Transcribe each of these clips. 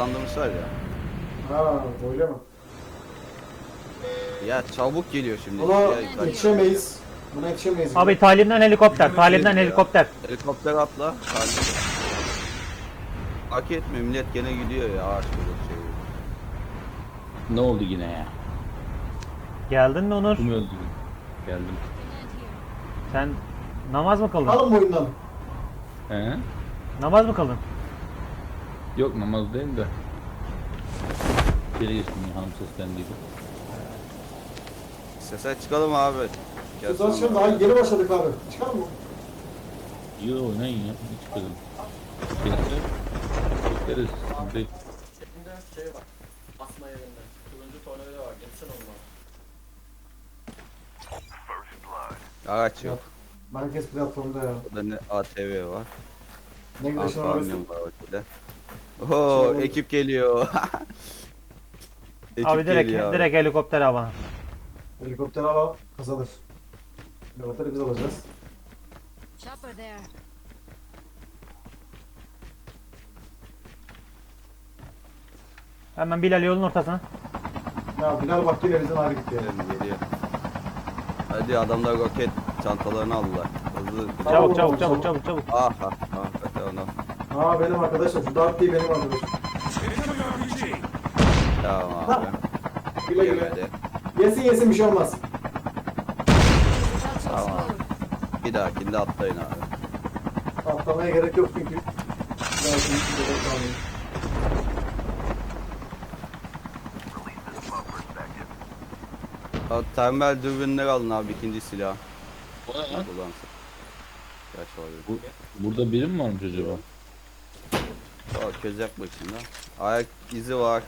hızlandırmışlar ya. Ha öyle mi? Ya çabuk geliyor şimdi. Buna Ya, yetişemeyiz. Buna yetişemeyiz. Abi talimden helikopter. Talimden helikopter. Helikopter atla. Hadi. Hak etmiyor, millet gene gidiyor ya ağaç böyle şey. Ne oldu yine ya? Geldin mi Onur? Kim öldü? Geldim. Sen namaz mı kıldın? Alın bu oyundan. He? Namaz mı kıldın? Yok namaz değil de. Geri geçtim ya hanım seslendiydi. Sese çıkalım abi. Gel Biz zaten sonra. daha yeni başladık abi. Çıkalım mı? Yo oynayın ya. Hiç çıkalım. Gelirse bekleriz. Sıkıntı değil. Cebimde şey var. Asma yerinde. Turuncu tornavida var. Getirsene onu bana. Araç yok. Merkez platformda ya. Burada ne ATV var. Ne güneşin arası. Antalya var orada. Oo ekip geliyor. Ekip Abi direkt geliyor abi. direkt helikopter al bana. Helikopter al kazanır. Helikopteri biz alacağız. Chopper there. Hemen Bilal yolun ortasına. Ya Bilal bak yine bizden ayrı gitti ya. Geliyor. Hadi adamlar roket çantalarını aldılar. Hızlı. Çabuk çabuk çabuk çabuk çabuk. Ah ah ah kötü ona. Aa benim arkadaşım. Şu Dark değil benim arkadaşım. Tamam abi. Güle güle. Yemedi. Yesin bir şey olmaz. About to Tamam. explode. Bir dahakinde atlayın abi. Atlamaya gerek yok çünkü. Belki bir de kalmayın. Abi, termal dürbünleri alın abi ikinci silah. O ne lan? Kullansın. Kaç var? Burada biri mi varmış acaba? O köz yapmak için de. Ayak izi var.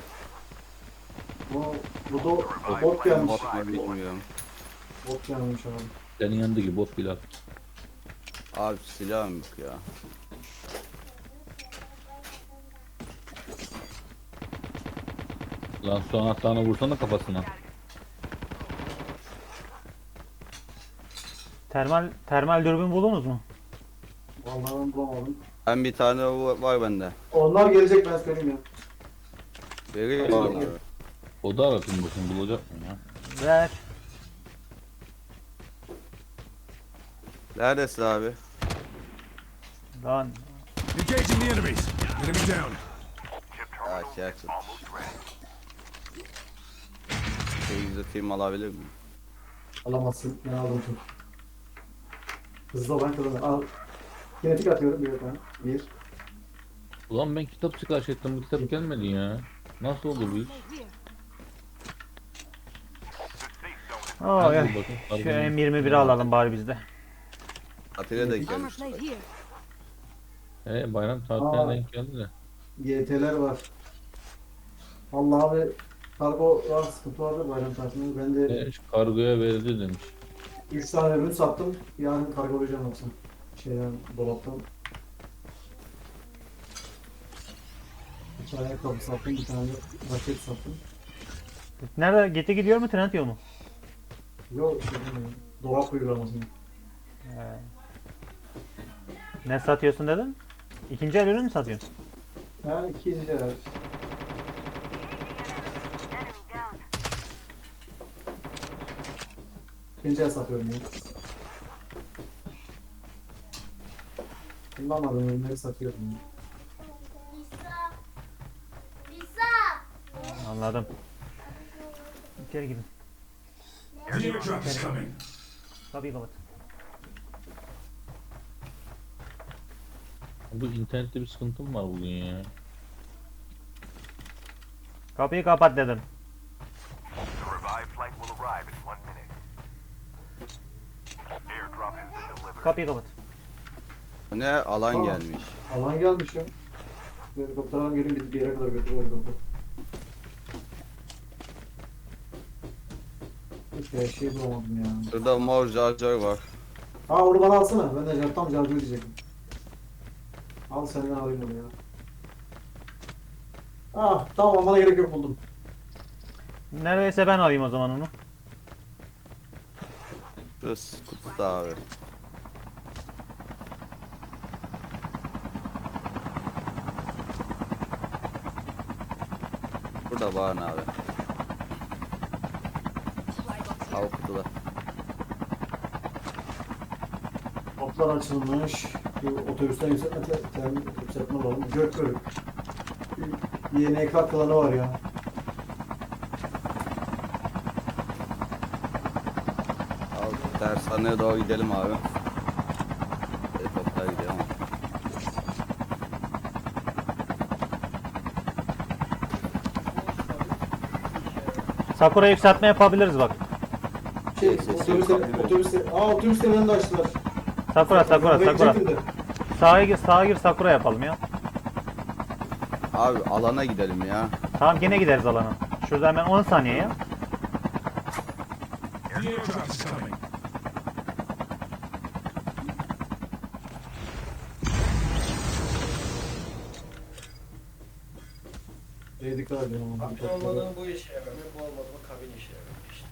Bu da bot gelmiş. Bot mu bilmiyorum. Bot gelmiş abi. Senin yanındaki bot Bilal. Abi silah mı yok ya? Lan su anahtarına vursana kafasına. Termal dürbün buldunuz mu? Vallahi ben bulamadım. Ben bir tane var bende. Onlar gelecek ben söyleyeyim ya. Veriyor Tamam. abi. O da aratın bakın bulacak mı ya? Ver. Neredesin abi? Lan Engaging the enemies. Enemy down. Ya şey açın. Şey alabilir miyim? Alamazsın. Ben aldım çok. Hızlı olan kazanır. Al. Kinetik atıyorum bir tane. Bir. Ulan ben kitap sipariş ettim bu kitap gelmedi ya. Nasıl oldu bu iş? oh Hadi ya. bakın, Şu hadi. M21'i alalım bari bizde. Atilla da Armor gelmiş. plate here. Bayram Aa. tatiline denk geldi de. YT'ler var. Allah abi. Kargo var sıkıntı vardı bayram tatilinde. Ben de Şu kargoya verildi demiş. 3 tane ürün sattım. Yarın kargolayacağım yoksa. Şeyden dolaptan. 2 ayakkabı sattım. Bir tane raket sattım. Nerede? Geti gidiyor mu? Trend yolu mu? Yok şey demiyorum. Dolap uygulamasını. Ne satıyorsun dedin? İkinci el ürün mü satıyorsun? Yani 200 lira. İkinci el satıyorum ya. Kullanmadığım ürünleri satıyorum ya. Anladım. İçeri gidin. The airdrop is coming. Kapıyı kapat. Bu internette bir sıkıntım var bugün ya. Kapıyı kapat dedim. The revived flight will arrive in 1 minute. Airdrop has been delivered. Kapıyı kapat. Ne alan Tamam. gelmiş. Alan gelmiş ya. Helikopter alalım gelin bizi bir yere kadar götürüyor helikopter. Hiçbir şey bulamadım ya. Şurada mor charger var. Ha onu bana alsana. Ben de tam cargı diyecektim. Al senden alayım onu ya. Ah tamam bana gerek yok buldum. Neredeyse ben alayım o zaman onu. Şurası kutuda abi. Burada var abi. Al kutuda. Toplar açılmış. Bir otobüsten yükseltme alalım. Gökbörük. YNK klanı var ya. Al dershaneye doğru gidelim abi. Helikopter gidiyor ama. Sakura yükseltme yapabiliriz bak. Otobüslerin önünde açtılar. Sakura. Ben gidecektim de. Sağa gir Sakura yapalım ya. Abi alana gidelim ya. Tamam gene gideriz alana. Şurada hemen 10 saniye ya. The airdrop is coming. Dikkat edin ama. Kabin olmadan bu işe yaramıyor, bu olmadı mı kabin işe yaramıyor işte.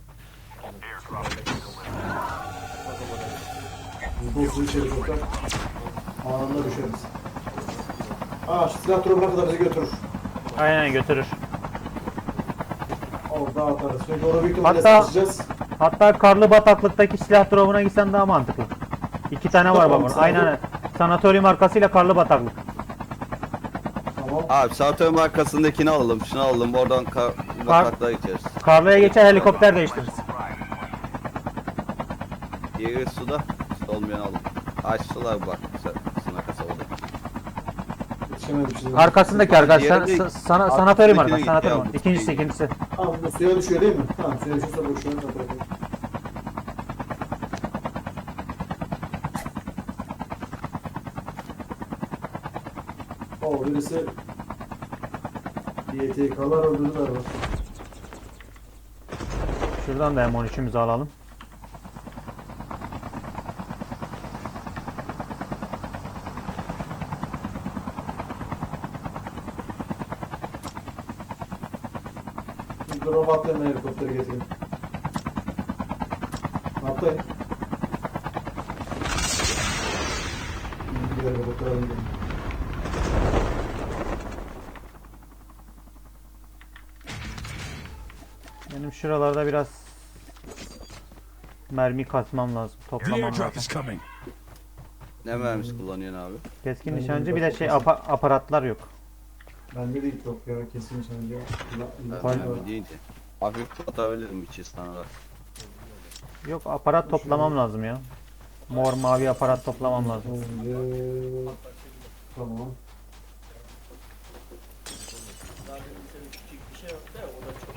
Buzlu içeri sokak. Anında düşeriz. Şu silah drop'a kadar bizi götürür. Aynen götürür. Orada atarız. Çünkü orada büyük ihtimalle Hatta- sıkışacağız. Hatta karlı bataklıktaki silah drop'una gitsen daha mantıklı. 2 tane var Tamam, bak. sana Aynen. Sanatoryum arkasıyla karlı bataklık. Tamam. Abi Satürn arkasındakini alalım. Şunu alalım. Oradan bataklığa geçeriz. Karlıya geçer helikopter değiştiririz. Diğeri suda. Su olmayan alalım. Açtılar bak. Sına kasa oldu. Yetişemedim şimdi. Arkasındaki arkadaş. Diğeri de- Sanatoryum arkası. gitti Sanatoryum. ya, bu İkincisi. Tamam bu suya düşüyor değil mi? Tamam suya düşürse boşuna bırakayım. Birisi YTK'lar öldürdüler bak. Şuradan da M13'ümüzü alalım. Şimdi robotlarına helikopteri getirin. Atlayın. Gidelim helikopter alalım. Benim şuralarda biraz mermi kasmam lazım. The Toplamam airdrop lazım. is coming. Ne mermisi kullanıyorsun abi? Keskin Ben nişancı bir de de şey aparatlar yok. Bende de ilk yok ya kesin nişancı. Önemli değil ki. Hafif atabilirim içi sana da. Yok aparat toplamam lazım ya. Mor mavi aparat toplamam lazım. Tamam. Zaten senin küçük bir şey yok da o da çok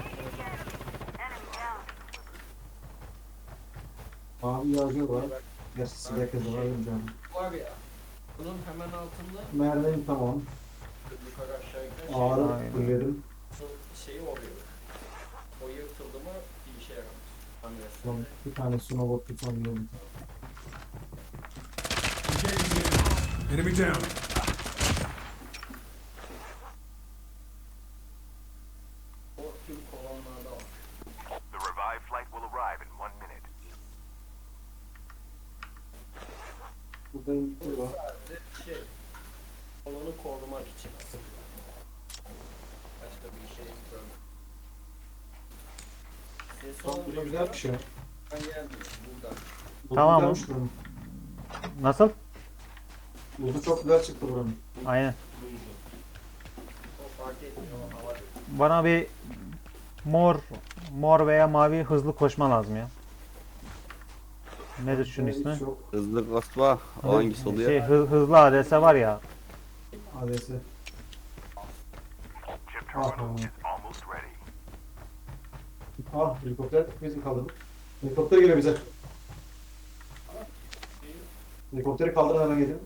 Mavi yağcı var. Gerçi silah kızı var canım. var ya. Bunun hemen altında Mermim tamam. yukarı aşağı giden Ağrı Aynen. fulledim. şeyi oluyor. O yırtıldı mı bir işe yaramaz. Hamlesi. Tamam. Bir tane sunobot tutsam iyi olur. Engaging the enemy. Enemy down. O tüm kolonlarda var. The revived flight will arrive in 1 minute. Buradayım. Burada. Sadece şey, kolonu korumak için aslında. Başka bir şey yok. Ses Tamam, burada olmuyor. güzel bir şey. Ben geldim buradan. Tamam. Güzelmiş buranın. Nasıl? Buzu çok güzel çıktı buranın. Aynen. O fark etmiyor o hava. Bana bir mor veya mavi hızlı koşma lazım ya. Nedir şunun ismi? Çok Hızlı basma. O hangisi oluyor? Şey hızlı ADS var ya. ADS. Chip Ah, terminal is almost ready. Helikopter bizim kaldırdık. Helikopter geliyor bize. Helikopteri kaldırın hemen gelin.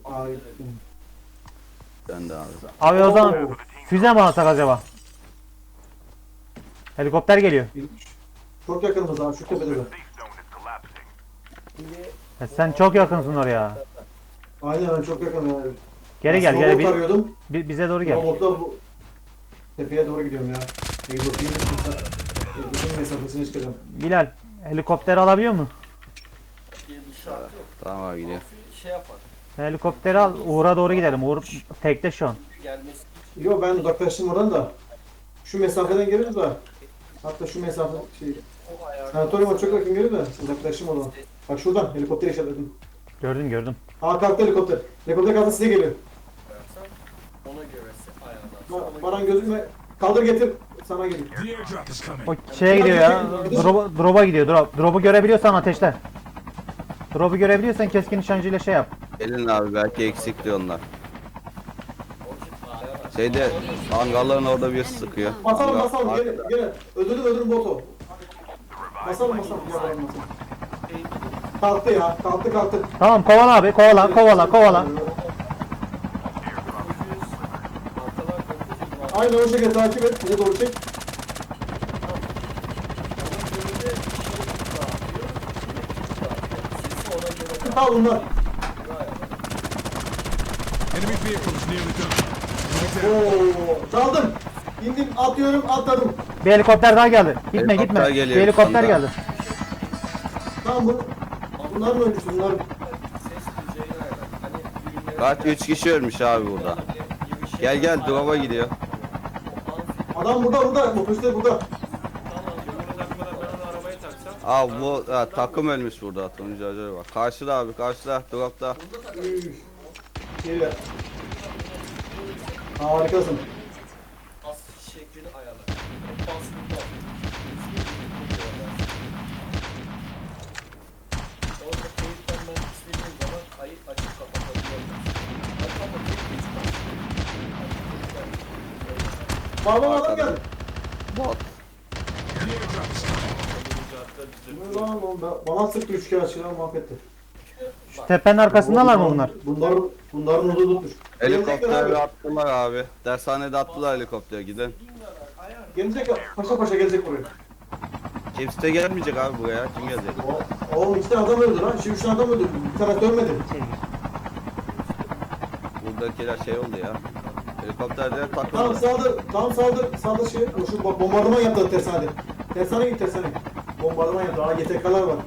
Ben de abi. Abi o zaman füze mi alsak acaba? Helikopter geliyor. Çok yakınımız abi şu tepede de. Safe zone is collapsing. Sen çok yakınsın oraya. Aynen ben çok yakınım yani. Geri gel Snowboard gel arıyordum. bize doğru gel. Snowboard'da bu tepeye doğru gidiyorum ya. Egzotayım mesafesine çıkacağım. Bilal helikopter alabiliyor mu? Bir şart yok. Tamam abi gidiyor. Şey yapar. Helikopteri al Uğur'a doğru gidelim. Uğur tekte şu an. Gelmesi Yo ben uzaklaştım oradan da. Şu mesafeden geliriz de. Hatta şu mesafe şey. O ayarda Sanatoriuma çok yakın geliyor da uzaklaşım o zaman. Bak şuradan helikopter işaretledim. Gördüm gördüm. Aa kalktı helikopter. Helikopter kalktı size geliyor. koyarsan ona göre ayarlarsın. Baran gözükme. Kaldır getir. Sana geliyor. The airdrop is coming. O şeye gidiyor ya. Drop'a gidiyor. Drop'u görebiliyorsan ateşle. Drop'u görebiliyorsan keskin nişancıyla şey yap. Gelin abi belki eksikti onlar. Şeyde hangarların orada bir sıkıyor. Basalım Hangar- basalım gene gene. Öldürdüm botu. Basalım basalım. Ya basalım. Kalktı ya. Kalktı. Tamam kovala abi kovala. Arkalar 900 var. Aynı o şekilde takip et. Bize doğru çek. Al bunlar. Enemy vehicle is nearly done. Enemy down. Oo, daldım. İndim, atıyorum, atladım. Bir helikopter daha geldi. Gitme Helikopter gitme. geliyor Bir helikopter şu anda. geldi. Tamam bunlar mı ölmüş bunlar? Kaç 3 kişi ölmüş abi burada. Gel drop'a gidiyor. Adam burada. Bu polisler burada. Abi bu takım ölmüş burada. Turuncu acayip bak. Karşıda abi karşıda drop'ta. Üf. Geliyor. Harikasın. As şeklini ayarla. Baskında. Orada kayıttan ben istediğim zaman kayıt açıp kapatabiliyorum. Baba adam geldi. Bot. The airdrop is coming. Bu lan oğlum bana sıktı 3 kere aşağıdan mahvetti. Şu tepenin arkasındalar mı bunlar? Bunların udu tutmuş. Helikopteri attılar abi. Dershanede attılar helikoptere gidin. Gelecek paşa gelecek buraya. Kimse de gelmeyecek abi buraya. Kim gelecek? Oğlum 2 tane adam öldü lan. Şimdi 3 tane adam öldü. Bir tane ölmedi. Buradakiler şey oldu ya. Helikopterlere Tamam takıldı. saldır şey. Şu bombardıman yaptı tersanede. Tersane git tersane. Bombardıman yaptı. Aa YTK'lar var.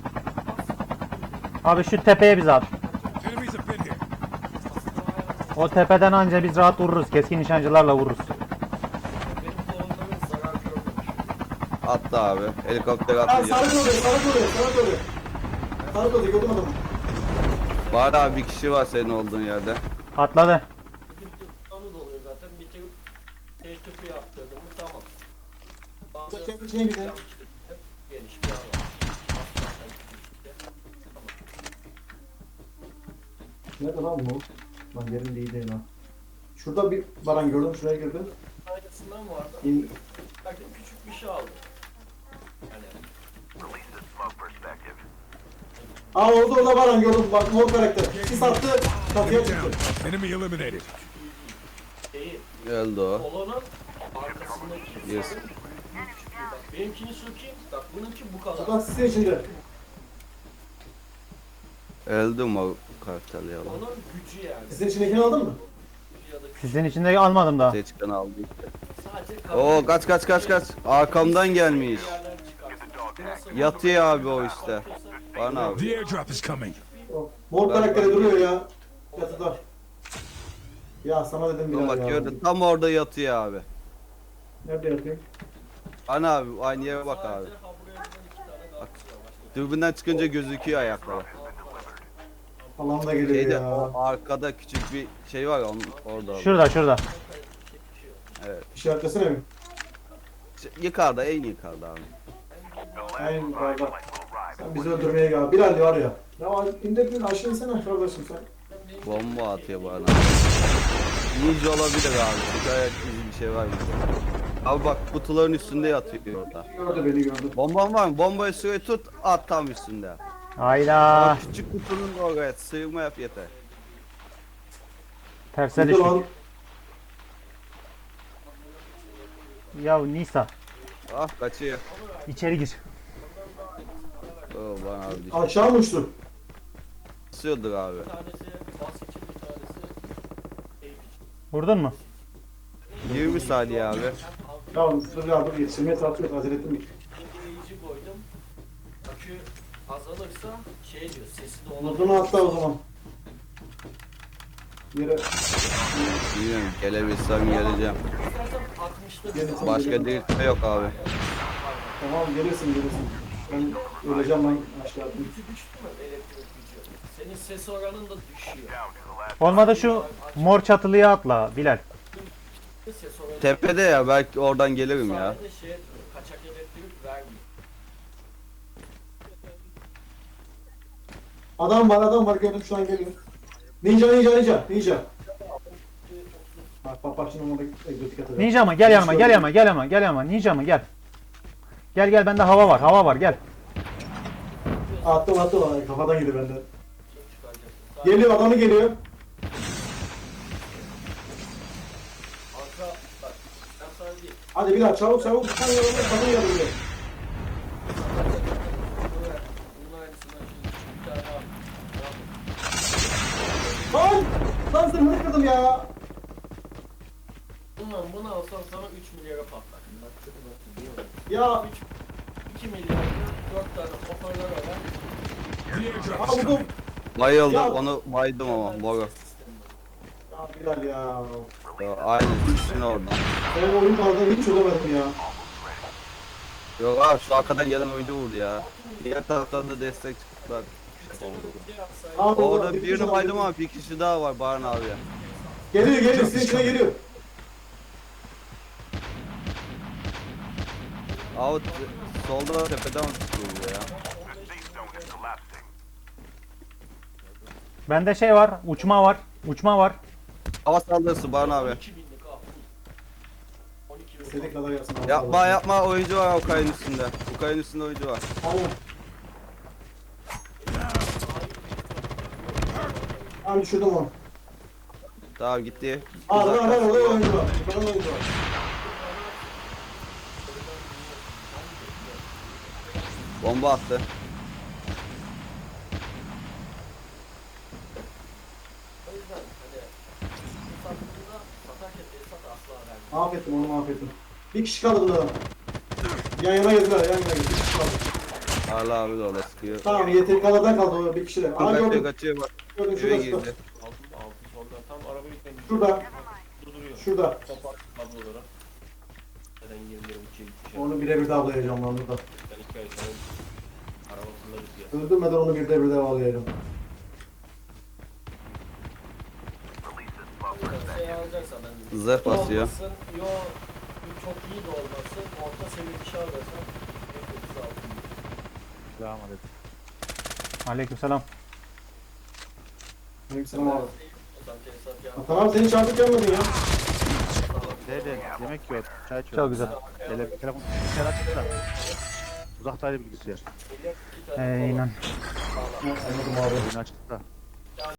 Abi şu tepeye bizi at. Enemies have been here. O tepeden anca biz rahat vururuz. Keskin nişancılarla vururuz. Benim kolumda zarar görmemiş. Attı abi. Helikopter Aa attı. sarı doğru. Sarı doğru gördüm adamı. Var abi bir kişi var senin olduğun yerde. Atladı. Onu da oluyor zaten. Bir kere teytüpü yaptırdım mı tamam. Çek içine gidelim. Hep geniş bir alan. Nerede lan bu? Lan yerim değil değil lan. Şurada bir baran gördüm şuraya girdim. Aynısından vardı. İn, Belki küçük bir şey aldım. Yani Release the smoke perspective. Aa orada baran gördüm bak mor karakter. Sis attı çatıya Enemy çıktı. down. Enemy eliminated. şeyi, Öldü o. kolonun arkasındaki. Yes. Bak benimkini sökeyim. Bak bununki bu kadar. Bak sisin içinde. Öldü mü o karakter ya? Onun gücü yani. Sisin içindekini aldın mı? Ya da Sizin içinde almadım daha. Seçken aldı. sadece Oo kaç. Arkamdan gelmiş. yerler çıkar. Yatıyor abi o işte. Bana abi. The airdrop is coming. O mor karakteri duruyor ya. Yatıda. Ya sana dedim Dur bir bak ya. gördün tam orada yatıyor abi. Nerede yatayım? Bana abi aynı yere bak abi. Bak. Dürbünden çıkınca gözüküyor ayakları. Allah'ım da geliyor Şeyde ya. o arkada küçük bir şey var ya onun orada. Şurada. İşaretlesene mi? Yukarıda en yukarıda abi. Aynen yukarıda. Sen bizi öldürmeye gel. Bilal var ya. Ya indir aşağı insene kardeşim sen. Bomba atıyor bana. Ninja olabilir abi. Çünkü ayak izi bir şey var burada. Abi bak kutuların üstünde yatıyor orada. Gördü beni gördü. Bomban var mı? Bombayı suya tut at tam üstünde. Hayda. O küçük kutunun oraya sığma yap yeter. Terse Gitti düştük. lan. Ya Nisa. Ah kaçıyor. İçeri gir. Oo bana abi düştü. Aşağı mı uçtu? Basıyordur abi. Bir tanesi bas için bir tanesi eğip için. Vurdun mu? 20 saniye abi. Ya dur yetiştirmeye tartıyor. Acele ettim. Dengeleyici koydum. Akü azalırsa şey diyor sesi de Notunu atla o zaman. Yere. Bilmiyorum, gelebilsem geleceğim. İstersen 60'ta Gelirsin, Başka gelirsin. değil yok abi. Tamam gelirsin. Ben öleceğim lan aşağıda. Gücü düştü mü elektrik gücü? Senin ses oranın da düşüyor. Down to the last. Olmadı şu mor çatılıya atla Bilal. Ses oranı Tepede ya, belki oradan gelirim ya. sadece şey etmiyor, kaçak elektrik vermiyor. Adam var gördüm şu an geliyor. Ninja. Bak şimdi ona egzotik atacağım. Ninja mı? Gel yanıma, gel yanıma. Ninja mı? Gel. Gel bende hava var gel. Attım kafadan yedi benden. Çıkaracaksın. Geliyor adamı geliyor. Arka bak, ben sana değil. Hadi bir daha çabuk bir tane yanımda kadın yanımda. Bunun aynısından şimdi bir tane daha. Lan zırhını kırdım ya. Bunu alsan sana 3 milyara patlar. Bak çok nasıl diyorum. Ya 2 milyar 4 tane hoparlör var. vurdum. Bayıldım, Ya. onu baydım ama boru. Ya Bilal ya. Ya, aynı ikisini orada. Ben oyun kaldığını hiç çözemedim ya. Yok abi, şu arkadan gelen oyuncu vurdu ya. Diğer taraftan da destek çıktılar. Abi, Orada bir birini kişi baydım daha ama bir kişi daha var Baran abi ya. geliyor sizin içine geliyor. Abi solda tepeden tutuyor ya. The safe zone is collapsing. Bende şey var, uçma var. Hava saldırısı Baran abi. 2000'lik al. 12 bin. İstediğin kadar yapsın. abi. Yapma, oyuncu var o kayın üstünde. Bu kayın üstünde oyuncu var. Aynen. Abi düşürdüm onu. Tamam gitti. Aa Uzak ben kaçtı. orada oyuncu var. Yukarıda oyuncu var. Bomba attı. O yüzden hani bu sattığında satarken Esat asla vermiyor. Mahvettim onu mahvettim. Bir kişi kaldı burada. Yan yana gezdiler bir kişi kaldı. Hala abi de orada sıkıyor. Tamam YTK'lardan kaldı o bir kişi de. Aa Kaçıyor gördüm. kaçıyor bak. Gördüm Eve şurada girdi. Altı soldan tam araba yüklemiş. Şurada. Durduruyor. Şurada. Kapat kabloları. Zaten 20 lira uçuya gitmiş. Onu birebir de avlayacağım lan burada. Ben 2 ay sonra araba kullanırız ya. Öldürmeden onu bir de avlayacağım. Release this buffer. Şey alacaksa ben Zırh basıyor. olmasın, yo çok iyi de olmasın. Orta seviye bir şey alırsan en kötüsü altın. Aleykümselam. Aleykümselam abi. Zaten Esat ya. Tamam senin çarpık gelmedin ya. Nerede? Yemek yiyor. Çay içiyor. Çok güzel. Telefon bilgisayar açık da. Uzaktaydı bilgisayar. İnan. Anladım abi. Oyunu açık da.